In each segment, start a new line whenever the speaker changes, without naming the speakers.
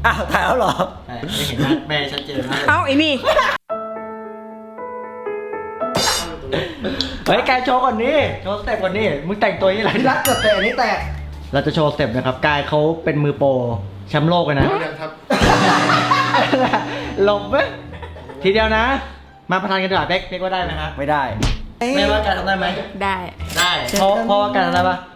อ้าวถ่ายแล้วเหรอ
ไม่เห็นหน้าแม่ชัดเจนมากเลย
เอ้าไอ้นี่
เฮ้ยกายโชว์ก่อนนี่โชว์สเต็ปก่อนนี่มึงแต่งตัวอย่างนี้แหละที่รักเกิดแต่อันนี้แตกเราจะโชว์สเต็ปนะครับกายเขาเป็นมือโปรแชมป์โลกเลยนะ
ครับ
หลบไหมทีเดียวนะ มาประทานกันดีกว่าเป๊กว่าได้ไหมครับไม่ได้ไม่ว่ากายทำได้ไหม
ได้
ได้
เพราะว่ากายทำได้ปะ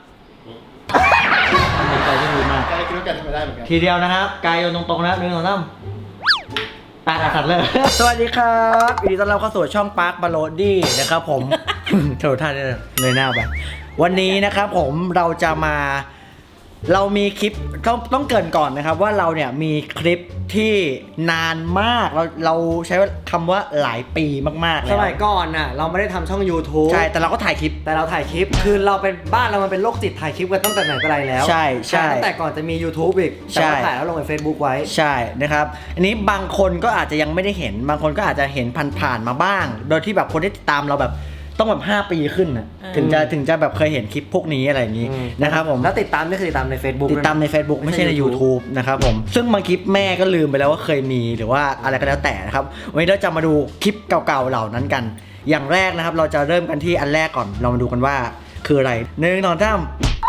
กายที่ดีมาก
กายคิดว่าแกทำไม่ได้เหมือนกัน
ทีเดียวนะครับกายโยนตรงๆนะ1 2 3สัตว์เลย สวัสดีครับยินดีต้อนรับเข้าสู่ช่องปาร์คบาโลดี้นะครับผม โถท่านเลยหน้าไปวันนี้นะครับผมเราจะมาเรามีคลิปต้องเกริ่นก่อนนะครับว่าเราเนี่ยมีคลิปที่นานมากเราใช้คำว่าหลายปีมากๆแล้ว
สมัยก่อนน่ะเราไม่ได้ทำช่อง YouTube
ใช่แต่เราก็ถ่ายคลิป
แต่เราถ่ายคลิปคือเราเป็นบ้านเรามันเป็นโรคจิตถ่ายคลิปกันตั้งแต่ไหนแต่ไรแล้ว
ใช่
ตั้งแต่ก่อนจะมี YouTube อีกแต่ว่าถ่ายแล้วลงใน Facebook ไว้
ใช่นะครับอันนี้บางคนก็อาจจะยังไม่ได้เห็นบางคนก็อาจจะเห็นผ่านๆมาบ้าง โดยที่แบบคนที่ติดตามเราแบบต้องแบบ5 ปีขึ้นนะถึงจะแบบเคยเห็นคลิปพวกนี้อะไรอย่างนี้นะครับผม
แล้วติดตามนี่คือติดตามใน Facebook
ติดตามใน Facebook ไม่ใช่ใน YouTube นะครับผมซึ่งบางคลิปแม่ก็ลืมไปแล้วว่าเคยมีหรือว่าอะไรก็แล้วแต่นะครับวันนี้เราจะมาดูคลิปเก่าๆเหล่านั้นกัน อย่างแรกนะครับเราจะเริ่มกันที่อันแรกก่อนเรามาดูกันว่าคืออะไร1 2 3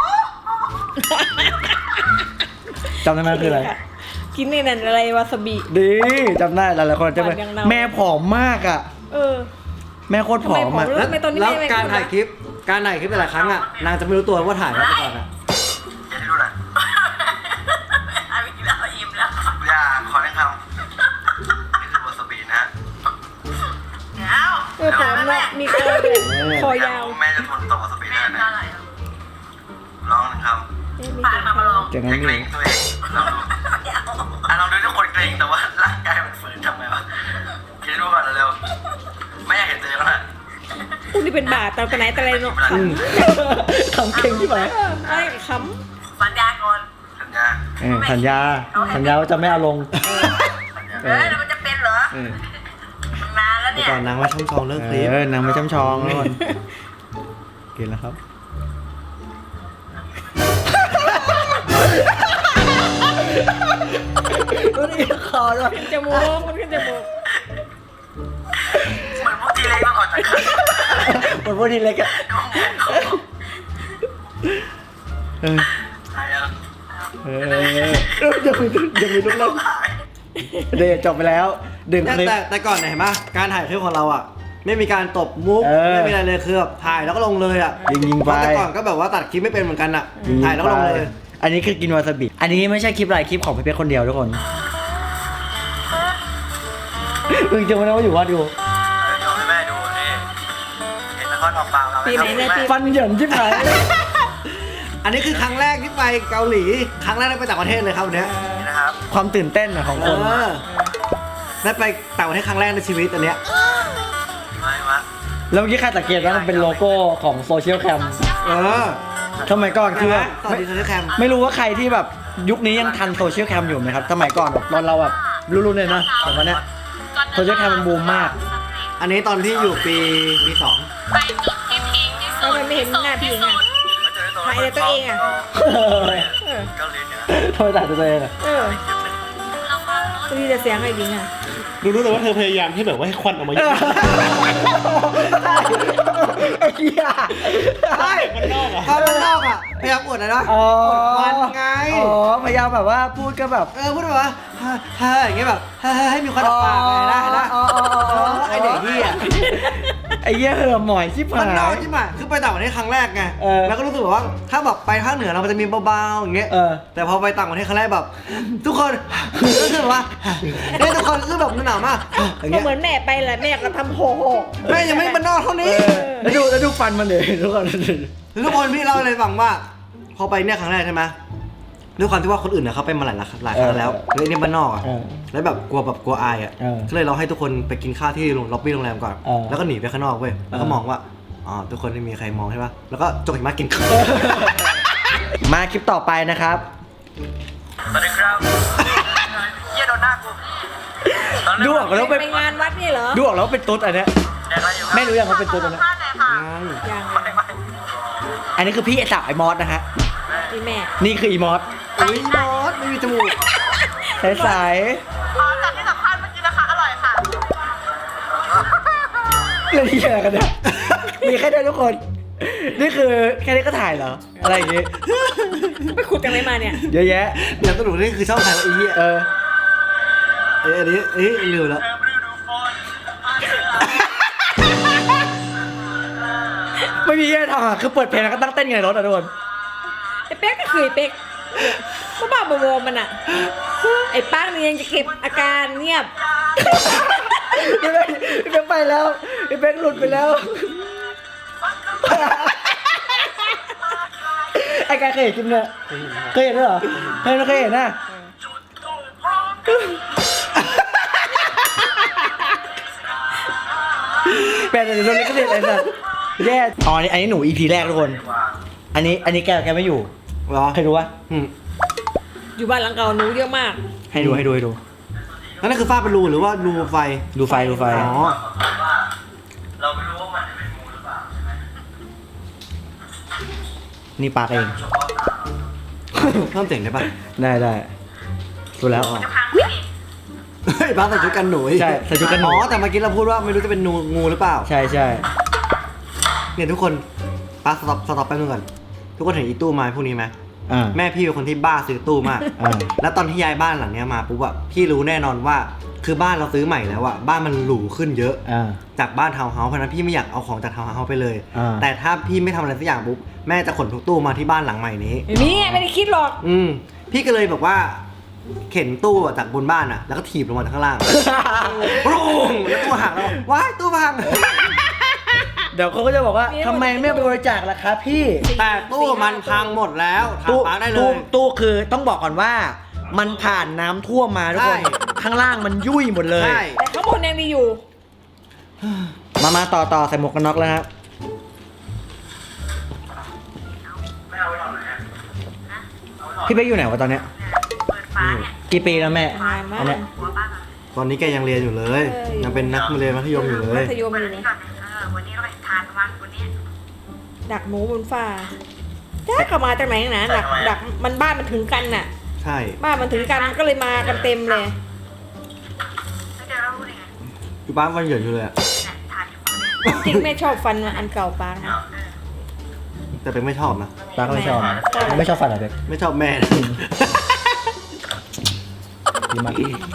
จำได้ไหมคืออะไร
กินในนั้นอะไรวาซาบิ
ดีจำได้หลายๆคนจะเป็น
หวานยังเนา
แม่ผอมมากอ่ะ
เออ
แม่โคตรผอมอ่ะ
ทำไมตอนนี้
แล้ว
ไม่
การ
ไม่
ถ่ายคลิปแต่ละครั้งอ่ะนางจะไม่รู้ตัวว่าถ่ายแล้วไปก่อนอ่ะ
อย่าดูหน่อยไม่กินแล้วอิ่มแล้ว อย่าขอแนะคำนี่คือวาซาบินะ
เออผมเนาะมีคอด้วยคอยาว
แม่จะทนต่อวาซาบิได้ไหมลองหนึ่งคำผ่านมาลอง
จากนั้น
เกรงตัวเองลองดูลองดูทุกคนเกรงแต่ว่าร่างกายมันฝืนทำไงวะคิดดูก่อนเร็วไม่อยากเห็นตัวเองแล้วนะ
กูนี่เป็นบาทแต่ไหนแต่ไรเนาะข
ทำเก่งที่ไหน
ำไอ้ข
สัญญาก่อนสัญญา
สัญญาว่าจะไม่เอาลง
แล้วมันจะเป็นเหรอมันนานแล้วเนี่ย
ก่อนนางว่าช่องทองเลิกคลิป
นางไม่ช้ำชองทุกคนกินแล้วครับตัวนี้คอด้วย
ำจมูกมันขึ้นจมูก
เหมือนพวกทีเล็กต้องออกจากกัน
หมดพวกทีเล็กอะ
หายแล้ว
ยังมีลูกเล่นเดย์จบไปแล้วดึงคลิป
แต่ก่อนเนี่ยเห็นปะการถ่ายคลิปของเราอ่ะไม่มีการตบมุก
เออ
ไม่มีอะไรเลยคือแบบถ่ายแล้วก็ลงเลยอ่ะ
ยิงๆไป
เพราะแต่ก่อนก็แบบว่าตัดคลิปไม่เป็นเหมือนกันอ่ะถ่ายแล้วก็ลงเลย
อันนี้คือกินวาซาบิอันนี้ไม่ใช่คลิปอะไรคลิปของพี่เป๊กคนเดียวทุกคนมึงจะมาเล่าว่าอยู่วัดอยู่
โยนให้แม่ดูนี่เห็นนครออกปากเราไหม
ปีไหนเนี่ยปี
ฟันเหยินชิบหาย
อันนี้คือครั้งแรกที่ไปเกาหลีครั้งแรกได้ไปต่างประเทศเลยครับวันเนี้ย
นี่นะครับ
ความตื่นเต้นอะของคน
ได้ไปต่างประเทศครั้งแรกในชีวิตอันเนี้ย
ไม่วะ
แล้วเมื่อกี้ใครสังเกตว่ามันเป็นโลโก้ของโซเชียลแคม
เออ
สมัยก่อนคือแบบ
ตอนดีโซเชียลแคม
ไม่รู้ว่าใครที่แบบยุคนี้ยังทันโซเชียลแคมอยู่ไหมครับสมัยก่อนแบบตอนเราแบบรุ่นๆเลยนะแต่วันเนี้ยโซเชียลแคมมันบูมมาก
อันนี้ตอนที่อยู่ปี2
ไปจุดที่พีคที่สุ
ทำ
ด
ไมไม่เห็นหน้าพี่อ่ะ ถ่ายแต่ตัวเองอะ
เฮ้ย
เออ
เกาหลีเหนือ
ทำไมตัดตัวเองอะ
เออตัวนี้จะเสียงไอ้ดิงอ่ะ
รู้แต่ว่าเธอพยายามที่แบบว่าให้ควันออกมาเยอะ
ไอ้เหี้ย
ใช่ตอนมันนอกอ่ะพยายามอวดนะ
อ๋อ
อวดควันไง
อ๋อพยายามแบบว่าพูดก็แบบ
พูดแบบว่าเฮ้ยอย่างเงี้ยแบบให้มีควันออกปากเลยนะไอเด็กเหี้ย
ไอ้เหี้ยเหอะหมอยชิบหา
มันนอก
ย
ใช่ไหมคือไปต่างประเทศครั้งแรกไง
เออ
แล้วก็รู้สึกว่าถ้าแบบไปภาคเหนือเรามันจะมีเบาๆอย่างเงี้ย
เออ
แต่พอไปต่างประเทศครั้งแรกแบบ ทุกคนก็คือว่าทุกคนคือแบบหนาวมากอย่าง
ก็
เงี้ย
เหมือนแม่ไปแหละแม่ก็ทำโหโห
แม่ยังไม่มันนอกเท่านี้
แล้วดูฟันมันเลยทุกคน
ทุกคนพี่เล่าเลยฟังว่า พอไปเนี่ยครั้งแรกใช่ไหมด้วยความที่ว่าคนอื่นเนี่ยเขาไปมาหลายครั้งแล้วเลยเนี่ยบ้านนอกอ่ะ แล้วแบบกลัวอายอ่ะ ก็เลยเราให้ทุกคนไปกินข้าวที่ล็อบบี้โรงแรมก่อน แล้วก็หนีไปข้างนอกเว้ย แล้วก็มองว่า อ๋อ ทุกคนไม่มีใครมองใช่ปะแล้วก็จกหิมะกินข้าว
มาคลิปต่อไปนะครับ
สวัสดีครับเยี่ยโดนหน้ากู
ดูออกแล้ว
ไป
เป็น
งานวัดนี่เหรอ
ดูออกแล้วเป็นตุ๊ดอันเนี้ย
แดกอะไรอยู่
ไม่รู้ยังว่าเป็นตุ๊ดอันเนี้ย
ยัง
ไม่
อันนี้คือพี่สาวไอ้มอสนะฮะ
พี่แม่
นี่คืออีมอส
อุ้ยมอสไม่มีจมูก
ใส
จากที่สัมภาษณ์เมื่อกี้นะคะอร่อยค่ะ
ๆเรื่องที่อะไรกันเนี่ยมีแค่นี้ทุกคน นี่คือแค่นี้ก็ถ่ายเหรออะไรอย่างงี้
ไปขุดกันไหนมาเนี่ย
เยอะแยะ
เดี๋ยวสรุปนี่คือช่องใครวะไอ้เหี้ย อันนี้ลืมแล้ว
ไม่มีอะไรทำอ่ะคือเปิดเพลงแล้วก็ตั้งเต้นไงในรถอ่ะทุกคน
ไอ้เป๊กก็คือไอ้เป๊กบ้าๆบอๆมันอ่ะ ไอ้ป้านี่ยังจะเก็บอาการเงียบ
พี่เป๊กไปแล้วพี่เป๊กหลุดไปแล้วไอ้กายเคยเห็นคลิปเนี่ยเคยเห็นด้วยเหรอเคยเห็นนะแปลแต่โดนเล็กก็เด็ดไอ้สัสแย่อ๋ออันนี้หนู EP แรกทุกคน อันนี้แกไม่อยู่
เหรอ
ให้ดูวะ
อยู่บ้านหลังเก่าหนูเยอะมาก
ให้ดู
นั่นคือฝ้าเป็นรูหรือว่ารูไฟ
ดูไฟ
อ๋อ
เราไม่รู้ว่ามันจะเป็นงูหรือเปล่าใช่ไหม
นี่ปากเอง
เพิ่มเสียงได้ปะ
ได้ดูแล้ว
เฮ้ยบ้าใส่ชุดกันหนู
ใช่ใส่ชุดกันหนู
อ๋อแต่เมื่อกี้เราพูดว่าไม่รู้จะเป็นงูหรือเปล่า
ใช่
เนี่ยทุกคนป้าสต็อปแป๊บนึงก่อนทุกคนเห็นอีตู้ไม้พวกนี้ไหม
อ่า
แม่พี่เป็นคนที่บ้าซื้อตู้มาก
อ่า
แล้วตอนที่ย้ายบ้านหลังเนี้ยมาปุ๊บอะพี่รู้แน่นอนว่า คือบ้านเราซื้อใหม่แล้วอะบ้านมันหรูขึ้นเยอะ
อ่า
จากบ้านทาวน์เฮาส์เพราะฉะนั้นพี่ไม่อยากเอาของจากทาวน์เฮาส์ไปเลย
อ่า
แต่ถ้าพี่ไม่ทำอะไรสักอย่างปุ๊บแม่จะขนทุกตู้มาที่บ้านหลังใหม่นี้
ไม่ได้คิดหรอก
พี่ก็เลยแบบว่า เข็นตู้จากบนบ้านอะแล้วก็ถีบลงมาจากข้างล่าง ปรุงแล้วตู้หักแล้วว้ายตู้พัง
เดี๋ยวเขาก็จะบอกว่าทำไมไม่ไปบริจาคล่ะครับพี่
แต่ตู้มันพังหมดแล้วถามป้าได้เลย
ตู้คือต้องบอกก่อนว่า มันผ่านน้ำท่วมมาทุกคน
ใช่
ข้างล่างมันยุ่ยหมดเลย
ใช่
แต่ข้างบนยังดีอยู่
มาต่อใส่หมวกกันน็อกแล้วครับ
ไม่เอาไว้หรอกนะ
พี่เป๊กอยู่ไหนวะตอนเนี้ย
เปิดฟ้าเนี่ย
กี่ปีแล้วแม่
นานมาก
อันเนี้ย
หัวบ้านอะ
ตอนนี้แกยังเรียนอยู่เลย ยังเป็นนักเรียนมัธยมอยู่เลย
มัธยมอยู่นี่
ก่อนวันนี้เราไปทานประมาณวันนี้
ดักหนูบนฟ้าจ้าเข้ามาจากไหนนะดักมันบ้านมันถึงกันน่ะ
ใช่
บ้านมันถึงกันก็เลยมากันเต็มเลย
ไม่ได้เรารู้ได้ไง
อยู่บ้านวันเหยินอยู่เลยอะ
เนี่ยทานอยู่คนเดียว
จริงแม่ชอบฟันอันเก่าปางนะ
แต่เป็นไม่ชอบนะ
ป้าก็ไม่ชอบไม่ชอบฟันเหรอเป๊ก
ไม่ชอบแม่
ดีมาก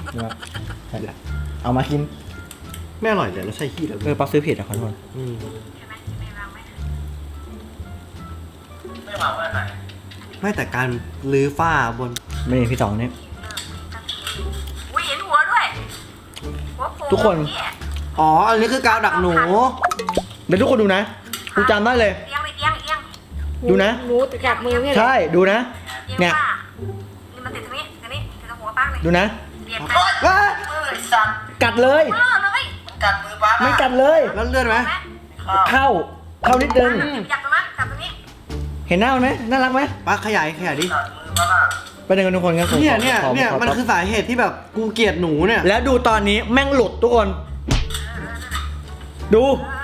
เอามากิน
ไม่อร่อยเลยแล้วใช่ขี้แล้ว
ปักซื้อผิดอ่ะขอโทษ
ใช่ไหมไม่วางไม่ถึงไม่วางไว้ไหน
ไม่แต่การรื้อฝ้าบน
ไม่มีพี่ต๋องเนี่ย
อุ้ยเห็นหัวด้วยหัวโผล่
ทุกคน
เนี่ย
อ๋อ อันนี้คือกาวดักหนู
เดี๋ยวทุกคนดูนะกูจำได้เลย
เอียงไปเอียงเอียง
ดูนะ
หนูกัดมือเนี่ย
ใช่ดูนะ
เอียง
เนี่ย
ว่านี่มันติดตรงนี้ตรงนี้ติดตรงหัวป้าเลย
ดูนะ
เรียนไปมือไอ้สัตว์
กัดเลย
เออเลยกัดมือป้า
ไม่กัดเลย
แล้วเลื่อนไหม
เข้านิดนึง
อยากตรงนั้นกัดตรงนี้
เห็นหน้ามันไหมน่ารักไหม
ป้าขยายดิ
กัดมือป้า
ไปเดินกันทุกคนกัน
เนี่ยมันคือสาเหตุที่แบบกูเกลียดหนูเนี่ย
แล้วดูตอนนี้แม่งหลุดทุกคน ดู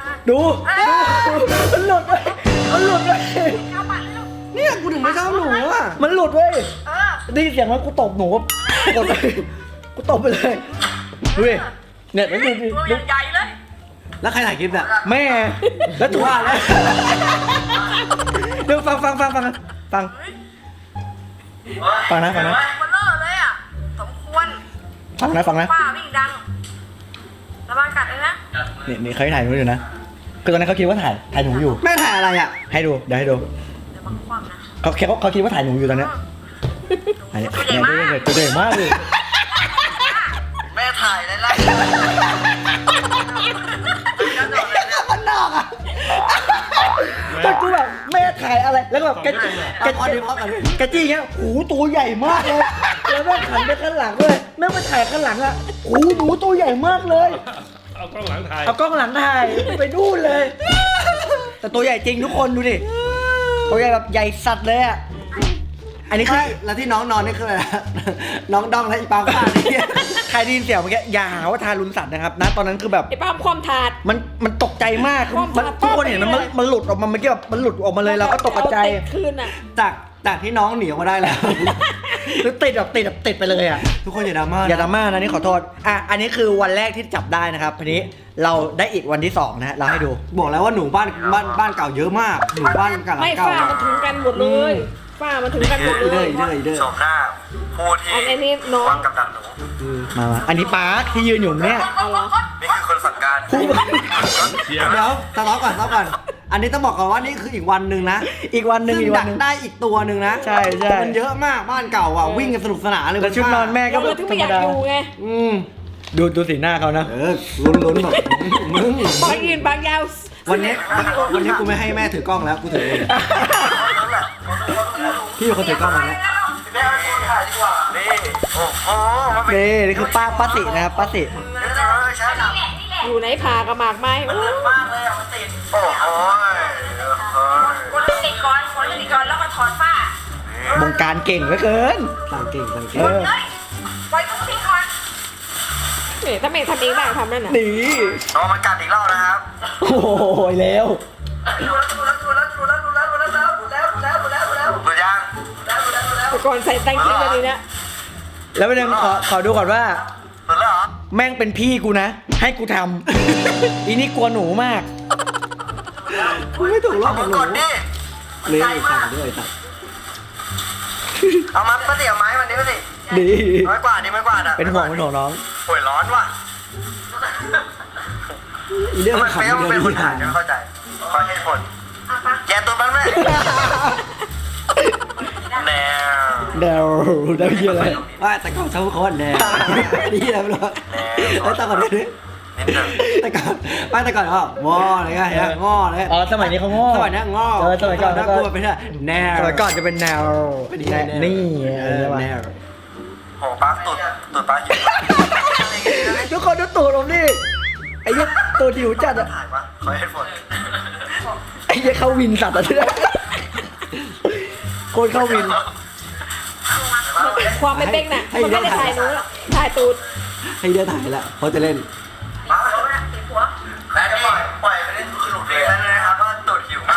มันหลุดไป
เอาปากเลยลูก
เนี่ยกูถึงไม่ชอบหนูอ่ะ
มันหลุดเว้ย
เออ
ได้ยินเสียงว่ากูตบหนูกดไปกูตบไปเลยดูดิเนี่ยแล้วดู
ตัวใหญ่ๆเลย
แล้วใครถ่ายคลิปเนี่ย
แม่แล้วถูกว่าแล้วเดี๋ยวฟังนะ
มันเลอะเลยอ่ะสมควร
ฟังนะ
ป้าวิ่งดังระวังกัดเลยนะ
นี่เขาถ่ายหนูอยู่นะคือตอนนั้นเขาคิดว่าถ่ายหนูอยู่
แม่ถ่ายอะไรอ่ะ
ให้ดูเดี๋ยวให้ดู
เดี๋ยวบังคว่ำนะ
เขาคิดว่าถ่ายหนูอยู่ตอนเนี้ยอันนี้ตัวใหญ่มากเลย
แม่ถ่ายเลยล่ะ
มันนอกอ่ะ
แต่กูแบบแม่ถ่ายอะไรแล้วก็แบบแก
พอดีพอกัน
กระจี้เงี้ยโอ้โหตัวใหญ่มากเลยแล้วแม่หันไปข้างหลังด้วยแม่มาถ่ายข้างหลังอ่ะโอ้โหหนูตัวใหญ่มากเลย
เอากล้องหลังถ่าย
เอากล้องหลังถ่ายไปดูนเลย แต่ตัวใหญ่จริงทุกคนดูดิตัวใหญ่แบบใหญ่สัตว์เลยอ่ะอันนี้คือ
ใช่แล้วที่น้องนอนนี่คืออะไรนะ น้องดองและอีปางฟ้านี่
ใครได้ยินเสียงเมื่อกี้อย่าหาว่าทารุณสัตว์นะครับนะตอนนั้นคือแบบ
ไอ้ป้ามความถาด
มันตกใจมากมันทุกคนเห็นมันหลุดออกมาเมื่อกี้แบบมันหลุดออกมาเลยเราก็ตกใจ
เอาเตะคืนอ่ะ
จากที่น้องหนีออกมาได้แล้ว
คือติดแบบติดไปเลยอ่ะ
ทุกคนอย่าดราม่า
อย่าดราม่านะนี่ขอโทษอ่ะอันนี้คือวันแรกที่จับได้นะครับทีนี้เราได้อีกวันที่2นะฮะเราให้ดู
บอกแล้วว่าหนูบ้านเก่าเยอะมากหนูบ้านกันหลั
ไม่
งเก่า
ฝ้ามันถึงกันหมดเลยฝ้ามันถึงกันหมดเลย
อีเด้อ
ชมหน้าผู้ที่
อันนี้น้อง
วางกับดักหนู
มาอันนี้ป๊าร์คที่ยืนอยู่เนี่ย
เอาเหรอ
นี่คือคนสั่งการ
ผู้
เดี๋ยวสต็อปก่อนอันนี้ต้องบอกก่อนว่านี่คืออีกวันหนึ่งนะ
อีกวันหนึ่ง
ซึ่ง
อีกวั
ดั
น
ก
หนึ่ง
ได้อีกตัวหนึ่งนะ
ใช่
มันเยอะมากบ้านเก่าอ่ะวิ่งกันสนุกสนานเลย
แล้วชุดนอนแม่ก็
เราถึงไม่อยากอยู่ไง
อืม
ดูสีหน้าเขานะ
ลุ้นแบบมึง
บางยืนบางยาว
วันนี้กูไม่ให้แม่ถือกล้องแล้วกูถือเองพี่เป็นคนถือกล้องมาแล้ว
แม่เอาคนถ่ายดีกว่า นี่ โอ้โหมันเป็น
นี่คือป้าสินะครับป้าสิ
เดี๋ยวจะเอาไปใช้หนัง
อยู่ไหนผ่ากระหมากไม้
มันเลิศมากเลยอ่ะมันติด โอ้โหเฮ้ย
คนติดก่อนคนติดก่อนแล้วมาถอดฝ้า
บงการเก่งเหลือเกิน
สั่งเก่ง
เออ
เลยปล่อยคนติดก่อน
เนี่ยถ้าไม่ทำเองได้ทำนั่นน่ะ
นี่
เอามากัดอีกรอบนะครับ
โอ้ยแล้ว
หมดยัง
แต่ก่อนใส่แตงกิ้งแบบนี้นะ
แล้วประเด็นขอดูก่อนว่า
หมดแล้วเหรอ
แม่งเป็นพี่กูนะ ให้กูทำ อีนี่กลัวหนูมาก
กูไม่ถูกรอบ
เอา
กับ
มา
หนู
กดดิ
เลี้ยงอีกสั่งด้วยสั่ง
เอามาป้าเตี๋ยวไม้มันดิป้าสิ
ดี
ไม้กวาดดิไม้กวาดอ่ะ
เป็นห่วงน้อง
โอ้ยร้อนว่ะ
อีเรื่อง
มัน
ขำ
เป๊ะมันเป็นคนถ่าย
เดี
จะ
ยว
เข้าใจขอเหตุผลแกตัวมันไหมแนว
เดาเยอะเลย
ว่าแต่ก่อนชาวโคตรแน่นี่อะไรไม่รู้แล้วแต่ก่อนนี่
นิดหนึ่ง
แต่ก่อนก็งออะไรเงี้ยงอเลย
อ๋อสมัยนี้เขาง้อ
สมัยนี้งอ
สมัยก่อน
น่ากลัวเป็นแนว
สมัยก่อนจะเป็นแนว นี่
แนว
โหป้าตุดป้าหิว
ทุกคนดูตูดผมดิไอ้เหี้ยตัวหิวจัดอะ
ถ่ายปะขอเหตุผล
ไอ้เหี้ยเข้าวินสัตว์อะที่โคตรเข้าวิน
ความไม่เป๊กน่ะมันไม่ได้ถ่ายหนูหรอกถ่ายตูด
ให้เดือถ่ายแล้วเขาจะเล่น
มาแล้วนี่ปล่อยไปเล่นสนุกเลยนะครับว่าตุดหิวมาก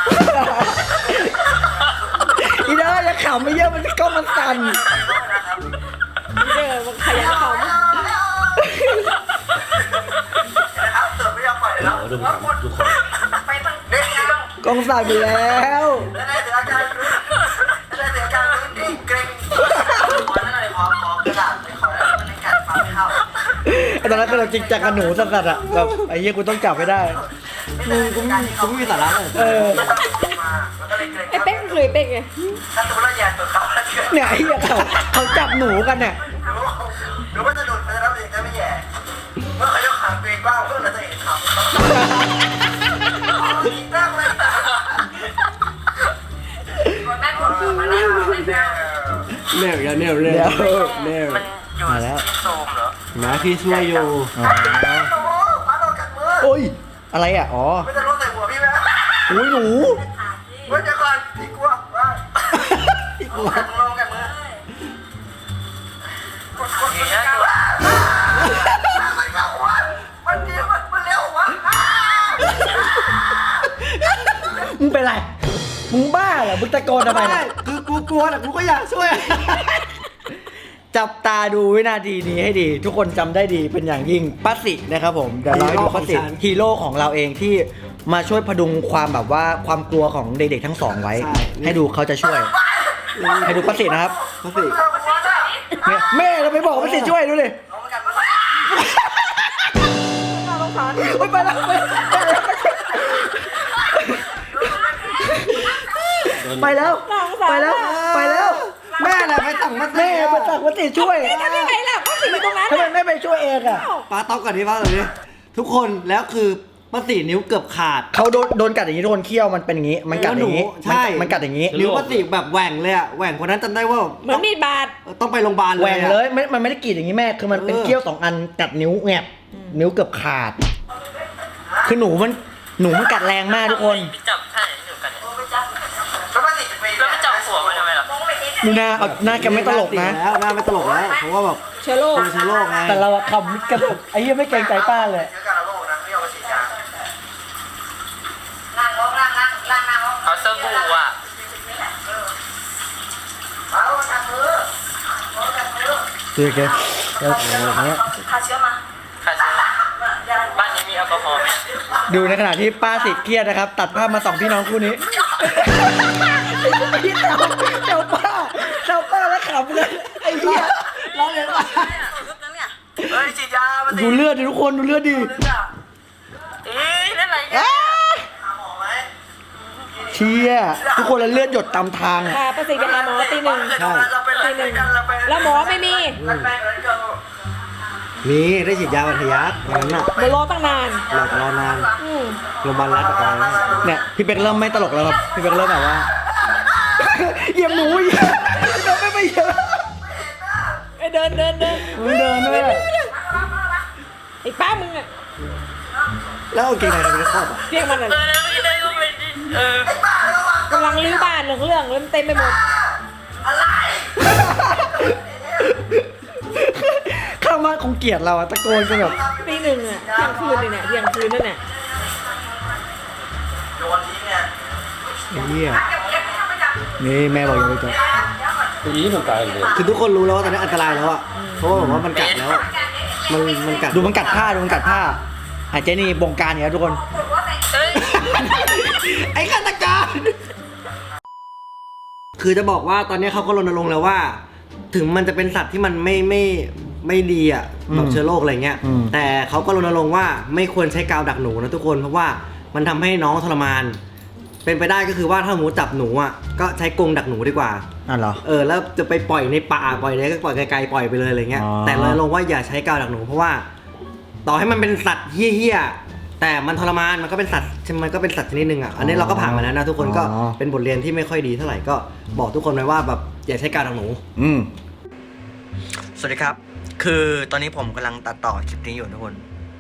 อีด้าอย่าขำไม่เยอะมันกล้องมันสั่น
เด้อมันขยันเขา
นะครับตุดไม่ยอมปล่อยแล้ว
ดูครับทุกคน
ไปทาง
นี่
กล้องสั่นไปแล้ว
แล้วได้เสียอาการได้เสียอาการนิ่งเกร็งขอหน่อยขอกระดาษไปขอแล้วมันในการฟังไม่เข้า
ตอนนั้นก็เราจริงจังกับหนูสัตว์อะแบบไอ้เหี้ยกูต้องจับไม่ได้
กูไม่มีสาระเลย
เออ
มาแล้วก็เลยเกร็ง
ไอ้เป๊กก็เคยเป๊กไง
ถ้าสมมติเราแย่ตัวเขาแล้วเชื่อ
เนี่ยไอ้เหี้ยเขาจับหนูกันเนี่ย
หรือว่าจะดูดไปแล้วเองจะไม่แย่เมื่อเขายกขาเกรงบ้างเพื่อนเราจะเห็นเขาอีกแล้วเลย
คนนั้นคนที่มาแล้วเลยนะ
แนวแนวแนวแนว
มันอยู่ที่โซมเหรอ
นะพี่ช่วยอยู่
โอ้โหปาโดนกัดมือ
โอ้ยอะไรอ่ะอ๋อ
ไม่จะลดใส่หัวพี่ไหม
อุ้ยหนู
เฮ้ยเดี๋ยวก่อนพี่กลัวว่า
อีกหัว
กัดลงกัดมือ กดอย่างเงี้ยตัวมันเร็ววะมันเร็วมันเร็ววะ
มึงเป็นไรมึงบ้าเหรอมึงตะโกนทำไม
ไม่
เนี่ย
คือกูกลัวแต่กูก็อยากช่วย
จับตาดูวินาทีนี้ให้ดี ทุกคนจำได้ดีเป็นอย่างยิ่งป้าสินะครับผมเดี๋ยวเราให้ดูป้าสิฮีโร่ของเราเองที่มาช่วยพดุงความแบบว่าความกลัวของเด็กๆทั้งสองไว้ ให้ดูเขาจะช่วย ให้ดูป้าสินะครับ
เขาสิ
เนี่ยแม่เราไปบอกป้าสิช่วยดูดิ
เอามากัดมือ
โอ๊ยไปแล้วไปแล้วไปแล้วไปแล้ว
แม่อะไรไปสั่งมา
แม่มาสั่งป้าสิช่วย
ทำยังไงล่ะเขาสิอยู่ตรงนั้น
ทำไมไม่ไปช่วยเองอ่ะ
ป้าต๊อกก่อนดิป้าก่อนดิทุกคนแล้วคือป้าสีนิ้วเกือบขาด
เขาโดนกัดอย่างนี้โดนเคี้ยวมันเป็นอย่างนี้ มันกัดอย่างนี้
ใช่
มันกัดอย่างนี้
นิ้วป้าสีแบบแหว่งเลยอะแหว่งคนนั้นจำได้ว่า
เหมือนมีดบาด
ต้องไปโรงพยาบาลเลย
แหว่งเลยมันไม่ได้กรีดอย่างนี้แม่คือมันเป็นเคี้ยวสองอันกัดนิ้วแงบนิ้วเกือบขาด คือหนูมันกัดแรงมากทุกคน
พี่จับท่าไหนที่หนูกันเนี่ยแล้วมันติดไปแล้วมันจับหัวมันทำไมล่ะ
ดูหน้าแกไม่ตลกนะ
แล้วหน้าไม่ตลกแล้วเพราะว่าแบบ
เชื้อโรค
เป็นเชื้อโรคไง
แต่เราอะขำกระตุกไอ้เหี้ยไม่เกรงใจป้าเลย
เชื้อการระโรคนะไม่เอามาฉีดยา
นั่งลงนั่งนั่ง
เอา
ลง
สบู่อ่ะ
เอาทำมือ
โอเคอย่างเงี้ย
ฆ่าเชื้อมา
ใครซื้อบ้านนี้มีแอลกอฮอล์ไหม
ดูในขณะที่ป้าสิเครียดนะครับ ตัดภาพมา2พี่น้องคู่นี้เจ้าป้าแล้วขำเลยไอ้เหี้ยร้องเลยว่า
เฮ้ยฉีดยามาสิ
ดูเลือดดิทุกคนดูเลือดดิ
เอ๊ะนั่นอะไรเนี่ยหาหมอไหม
เชี่ยทุกคนแล้วเลือดหยดตามทางอ่ะ
พาประสิทธิ์ไปหาหมอตีหนึ่ง
เราไปอะไรกันเราไป
แล้วหมอไม่มี
มันไปอะไรกัน
มีได้ฉีดยาบรรทยักตอนนั้นน่ะ
เดี๋ยวรอตั้งนาน
รอนาน
อืม
โรงพยาบาลรัฐกับอะไรนั่น
เนี่ยพี่เป็กเริ่มไม่ตลกแล้วครับพี่เป็กเริ่มแบบว่าเหยียบหมูเหยียบไม่เหยียบ
ไอ้เดิน
มันเดินด้วย
ไอ้ป้ามึงอะ
แล้วเอาเกงในเราไปครอบอ่ะ
เรียกมันอะ
ไม่ได้ก็ไม่ดี
กำลังรื้อบ้านเรื่องแล้วมันเต็มไปหมด
ข้างบ้านคงเกลียดเราอะตะโกนกันแบบ
ตีหนึ่งอะเที่ยงคืนเลยเนี่ยเที่ยงคืนนั่นน่ะ
โยนทิ้งเนี่ย
ไอ้เหี้ยนี่แม่บอกอย่าไปจับ
คือทุกคนรู้แล้วว่าตอนนี้อันตรายแล้วอ่ะเพราะว่าแบบว่ามันกัดแล้วอะมันกัด
ดูมันกัดผ้าหายใจนี่บงการเนี่ยทุกคน ไอ้ฆาตกร
คือจะบอกว่าตอนนี้เขาก็รณรงค์แล้วว่า ถึงมันจะเป็นสัตว์ที่มันไม่ดีอ่ะแบบเชื้อโรคอะไรเงี้ย แต่เขาก็รณรงค์ว่าไม่ควรใช้กาวดักหนูนะทุกคนเพราะว่ามันทำให้น้องทรมาน เป็นไปได้ก็คือว่าถ้าหมูจับหนูอ่ะก็ใช้กรงดักหนูดีกว่า
อ่ะเหรอ
แล้วจะไปปล่อยในป่าปล่อยไหนก็ปล่อยไกลๆปล่อยไปเลยอะไรเงี้ย
อ๋อ
แต่รณรงค์ว่าอย่าใช้กาวดักหนูเพราะว่า ต่อให้มันเป็นสัตว์เหี้ยๆแต่มันทรมานมันก็เป็นสัตว์ชนิดหนึ่งอ่ะอันนี้เราก็ผ่านมาแล้วนะทุกคนก็เป็นบทเรียนที่ไม่ค่อยดีเท่าไหร่ก็บอกทุกคนไว้ว่าแบบอย่าใช้กาวดักหนู
สวัสดีครับ คือตอนนี้ผมกำลังตัดต่อคลิปนี้อยู่ทุกคน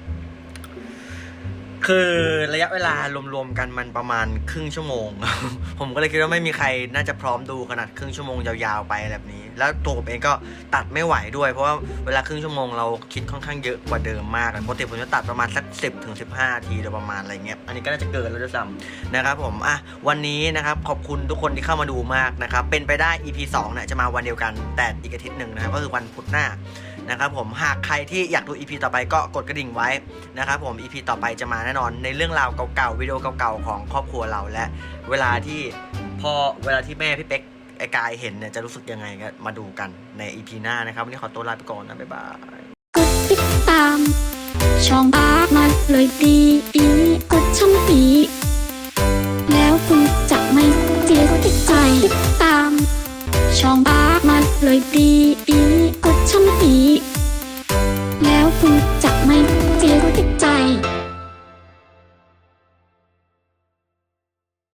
คือระยะเวลารวมๆกันมันประมาณครึ่งชั่วโมง ผมก็เลยคิดว่าไม่มีใครน่าจะพร้อมดูขนาดครึ่งชั่วโมงยาวๆไปแบบนี้ แล้วตัวผมเองก็ตัดไม่ไหวด้วย เพราะว่าเวลาครึ่งชั่วโมงเราคิดค่อนข้างเยอะกว่าเดิมมากปกติผมจะตัดประมาณสัก10 ถึง 15 นาทีโดยประมาณอะไรเงี้ย อันนี้ก็น่าจะเกินแล้วด้วยซ้ำนะครับผมวันนี้นะครับขอบคุณทุกคนที่เข้ามาดูมากนะครับเป็นไปได้ EP 2เนี่ยจะมาวันเดียวกันแต่อีกอาทิตย์หนึ่งนะครับก็คือวันพุธหน้านะครับผมหากใครที่อยากดู EP ต่อไปก็กดกระดิ่งไว้นะครับผม EP ต่อไปจะมาแน่นอนในเรื่องราวเก่าๆวิดีโอเก่าๆของครอบครัวเราและเวลาที่แม่พี่เป๊กไอ้กายเห็นเนี่ยจะรู้สึกยังไงก็มาดูกันใน EP หน้านะครับวันนี้ขอตัวลาไปก่อนนะบ๊ายบาย
กดติดตามช่องอาร์มันเลยดีกดช่องปีแล้วคุณจะไม่เสียติดใจติดตามช่องอาร์มันเลยดีกดช่องปีแล้วคุณจะไม่เสียติดใจ